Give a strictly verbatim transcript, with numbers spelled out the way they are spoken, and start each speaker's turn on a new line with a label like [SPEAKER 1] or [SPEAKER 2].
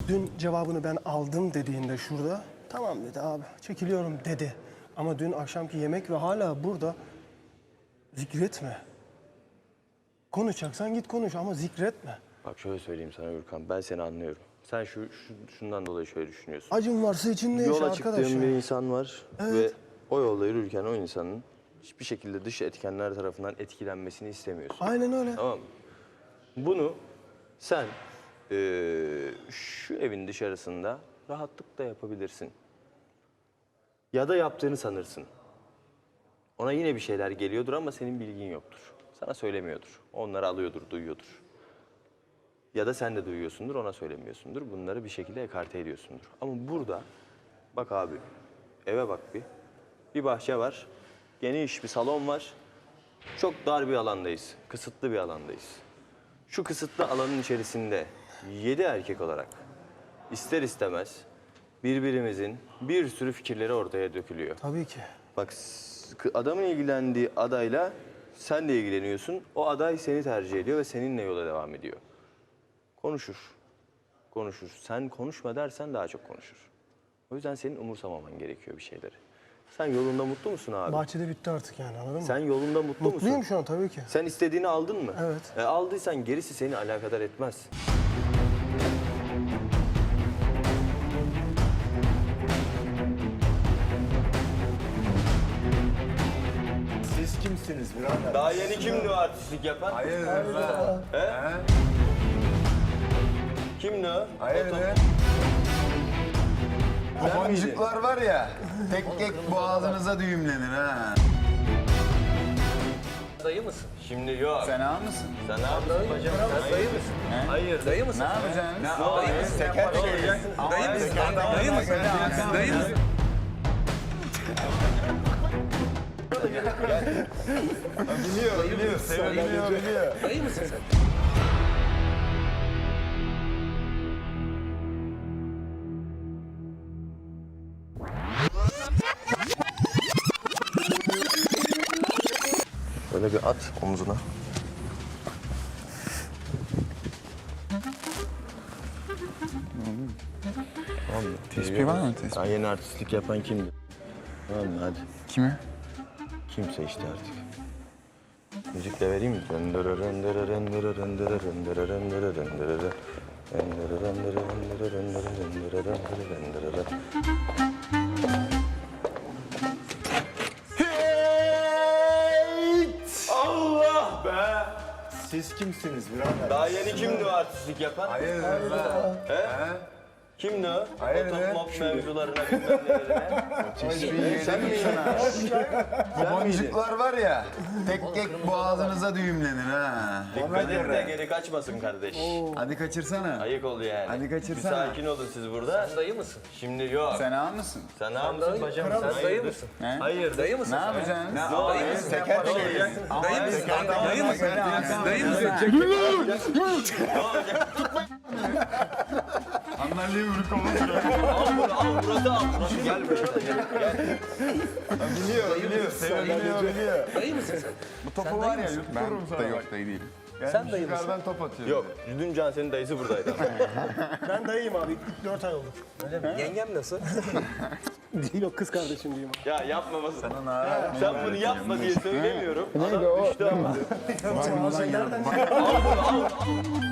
[SPEAKER 1] dün cevabını ben aldım dediğinde şurada, tamam dedi abi, çekiliyorum dedi. Ama dün akşamki yemek ve hala burada zikretme. Konuşacaksan git konuş ama zikretme.
[SPEAKER 2] Bak şöyle söyleyeyim sana Gürkan, ben seni anlıyorum. Sen şu, şu şundan dolayı şöyle düşünüyorsun.
[SPEAKER 1] Acın varsa içinde yaşa
[SPEAKER 2] Yola
[SPEAKER 1] arkadaş.
[SPEAKER 2] çıktığın
[SPEAKER 1] ya.
[SPEAKER 2] bir insan var
[SPEAKER 1] Evet.
[SPEAKER 2] ve o yolda yürürken o insanın hiçbir şekilde dış etkenler tarafından etkilenmesini istemiyorsun.
[SPEAKER 1] Aynen öyle.
[SPEAKER 2] Tamam mı? Bunu sen eee, şu evin dışarısında rahatlıkla yapabilirsin. Ya da yaptığını sanırsın. Ona yine bir şeyler geliyordur ama senin bilgin yoktur. Sana söylemiyordur. Onları alıyordur, duyuyordur. Ya da sen de duyuyorsundur, ona söylemiyorsundur. Bunları bir şekilde ekarte ediyorsundur. Ama burada, bak abi, eve bak bir. Bir bahçe var, geniş bir salon var. Çok dar bir alandayız, kısıtlı bir alandayız. Şu kısıtlı alanın içerisinde yedi erkek olarak ister istemez birbirimizin bir sürü fikirleri ortaya dökülüyor.
[SPEAKER 1] Tabii ki.
[SPEAKER 2] Bak s- adamın ilgilendiği adayla sen de ilgileniyorsun. O aday seni tercih ediyor ve seninle yola devam ediyor. Konuşur. Konuşur. Sen konuşma dersen daha çok konuşur. O yüzden senin umursamaman gerekiyor bir şeyleri. Sen yolunda mutlu musun abi?
[SPEAKER 1] Bahçede bitti artık yani, anladın mı?
[SPEAKER 2] Sen yolunda mutlu
[SPEAKER 1] Mutluyum
[SPEAKER 2] musun?
[SPEAKER 1] şu an tabii ki.
[SPEAKER 2] Sen istediğini aldın mı?
[SPEAKER 1] Evet.
[SPEAKER 2] E, aldıysan gerisi seni alakadar etmez.
[SPEAKER 3] Siz kimsiniz birader?
[SPEAKER 2] Daha yeni kimdi o artistlik yapan?
[SPEAKER 3] Hayırdır be?
[SPEAKER 2] He? Kimdi o?
[SPEAKER 3] Hayırdır? Bu boncuklar var ya, tek tek boğazınıza düğümlenir ha.
[SPEAKER 4] Dayı mısın?
[SPEAKER 2] Şimdi yok. Sen,
[SPEAKER 3] Fena mısın?
[SPEAKER 2] ne yapıyorsun bacım?
[SPEAKER 4] Sen dayı mısın?
[SPEAKER 2] Hayır.
[SPEAKER 4] Dayı mısın?
[SPEAKER 3] Ne yapacaksın? Ne
[SPEAKER 4] Dayı mısın?
[SPEAKER 3] Teker şey.
[SPEAKER 4] Dayı mısın? Dayı mısın? Dayı mısın?
[SPEAKER 3] Biliyor, biliyor. Biliyor, biliyor.
[SPEAKER 4] Dayı mısın sen?
[SPEAKER 2] Böyle bir at omzuna. Tamam mı?
[SPEAKER 5] Tespih var mı? Tespih.
[SPEAKER 2] Daha yeni artistlik yapan kimdi? Tamam mı? Hadi.
[SPEAKER 5] Kime?
[SPEAKER 2] Kimse işte artık. Müzikle vereyim mi? Rendere rendere rendere rendere rendere rendere rendere rendere rendere rendere rendere rendere rendere rendere. Allah be!
[SPEAKER 3] Siz kimsiniz birader?
[SPEAKER 2] Daha yeni kimdi o artistlik yapan?
[SPEAKER 3] Hayırdır be?
[SPEAKER 2] He? Kimdi o?
[SPEAKER 3] Hayırdır?
[SPEAKER 2] O top mop mevzularına bilmem nelerine.
[SPEAKER 3] Teşbih
[SPEAKER 2] Sen
[SPEAKER 3] yedim
[SPEAKER 2] miydin?
[SPEAKER 3] sana. Bu boncuklar var ya, tek tek boğazınıza düğümlenir ha.
[SPEAKER 2] Dikkat et de geri kaçmasın kardeş.
[SPEAKER 3] Hadi kaçırsana.
[SPEAKER 2] Ayık ol yani.
[SPEAKER 3] Hadi kaçırsana.
[SPEAKER 2] Bir sakin olun siz burada.
[SPEAKER 4] Sen dayı mısın?
[SPEAKER 2] Şimdi yok. Sen,
[SPEAKER 3] Fena mısın?
[SPEAKER 2] ne yapıyorsun bacım? Sen
[SPEAKER 4] Sen dayı
[SPEAKER 2] hayırdır?
[SPEAKER 4] mısın?
[SPEAKER 3] He?
[SPEAKER 2] Hayır.
[SPEAKER 4] Dayı mısın?
[SPEAKER 3] Ne
[SPEAKER 4] sen?
[SPEAKER 3] yapacaksın?
[SPEAKER 4] Dayı mısın?
[SPEAKER 3] Teker şey.
[SPEAKER 4] Dayı mısın? Dayı mısın? Dayı mısın?
[SPEAKER 3] Anlarlığı vuruk olmuş.
[SPEAKER 2] Al bunu al Murat'ı al. Murat'ı gel buraya. Gel.
[SPEAKER 3] Biliyor, biliyor. Biliyor, biliyor.
[SPEAKER 4] Dayı mısın sen?
[SPEAKER 3] Bu topu var ya,
[SPEAKER 5] Ben
[SPEAKER 3] yuttururum sana.
[SPEAKER 5] dayı yok, dayı değilim.
[SPEAKER 4] Sen dayı mısın?
[SPEAKER 3] Yukarıdan top atıyor.
[SPEAKER 2] Yok. Dün Can senin dayısı buradaydı.
[SPEAKER 1] Ben dayıyım abi. İlk dört ay oldu.
[SPEAKER 4] Yengem nasıl?
[SPEAKER 1] Değil o, kız kardeşim diyeyim.
[SPEAKER 2] Ya yapmaması. Sen bunu yapma diye söylemiyorum. Neydi o? Düştü ama.
[SPEAKER 5] Var bundan yana.
[SPEAKER 2] Al bunu al.